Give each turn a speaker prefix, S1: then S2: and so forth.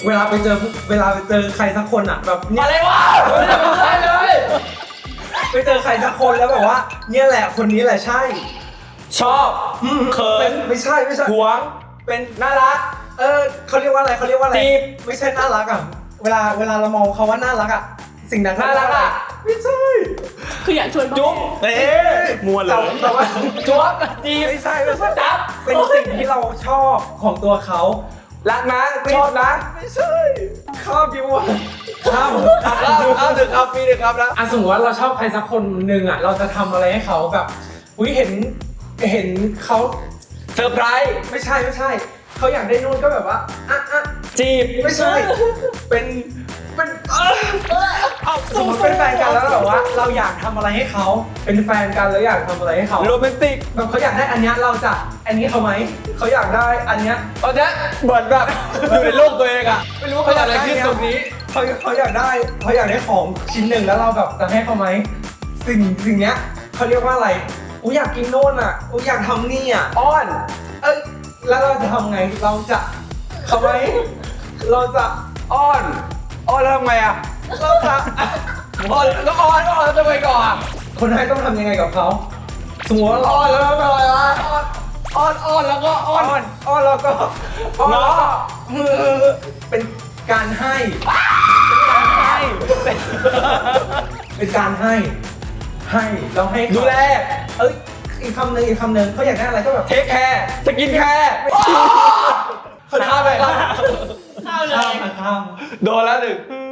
S1: เวลาไปเจอใครสักคนอ่ะแบบเนี่ย
S2: อะไรวะไม่ได้เป็นไรเลย
S1: ไปเจอใครสักคนแล้วแบบว่าเนี่ยแหละคนนี้แหละใช่
S2: ชอบเขิ
S1: เป็น ไม่ใช่
S2: หวง
S1: เป็น
S2: น่ารัก
S1: เขาเรียกว่าอะไร
S2: จีบ
S1: ไม่ใช่น่ารักอ่ะเวลาเรามองเขาว่าน่ารักอ่ะสิ่งนั้น
S2: น่ารักอ่ะ
S1: ไม่ใช่
S3: คืออยากชวน
S2: จุ๊บ
S4: มวนเลย
S1: แต่ว่า
S2: จุ๊บจีบ
S1: ไม่ใช่
S2: จับ
S1: เป็นสิ่งที่เราชอบของตัวเขา
S2: รักนะชอบนะ
S1: ไม่ใช่ข้ามดิวะข้าม
S2: เอาหนึ่งครับปีหนึ่งครับนะ
S1: สมมติว่าเราชอบใครสักคนหนึ่งอ่ะเราจะทำอะไรให้เขาแบบอุ้ยเห็นเขา
S2: เซอร์ไพรส์
S1: ไม่ใช่เขาอยากได้นู่นก็แบบว่า
S2: จีบ
S1: ไม่ใช่เป็นสมมติเป็นแฟนกันแล้วแบบว่า เราอยากทำอะไรให้เขาเป็นแฟนกันแล้วอยากทำอะไรให้เขา
S2: โรแมนติก
S1: แบบเขาอยากได้อันเนี้ยเราจะอันนี้เขาไหมเขาอยากได้อันเนี้ย
S2: ตอนนี้เหมือนแบบอยู่ในโลกตัวเองอะไม่รู้ว่าเกิดอะไรขึ้นตรงนี้
S1: เขาอยากได้ของชิ้นหนึ่งแล้วเราแบบจะให้เขาไหมสิ่งเนี้ยเขาเรียกว่าอะไรอูอยากกินโน่นอ่ะอูอยากทำนี่อ่ะ
S2: อ้อน
S1: แล้วเราจะทำไงเราจะเขาไหมเราจะ
S2: อ้อนแล้วทำไงอะ
S1: เราจะ
S2: อ้อนแล้วอ้อนทำไมก่อนอะ
S1: คนให้ต้องทำยังไงกับเขาสมมติว่าเรา
S2: อ้อนแล้วทำอะไรวะอ้อนแล้วก็อ้อน
S1: แล้วก็แล้วก็เป็นการให้ เป็นการให้เราให้เขา
S2: ดูแล
S1: อีกคำหนึ่งเขาอยากได้อะไรก็แบบ
S2: เทคแคร์สกินแคร์ข้ามไปครับ
S3: ข้าวเลย
S1: ข้าม
S2: โดนแล้วหนึ่ง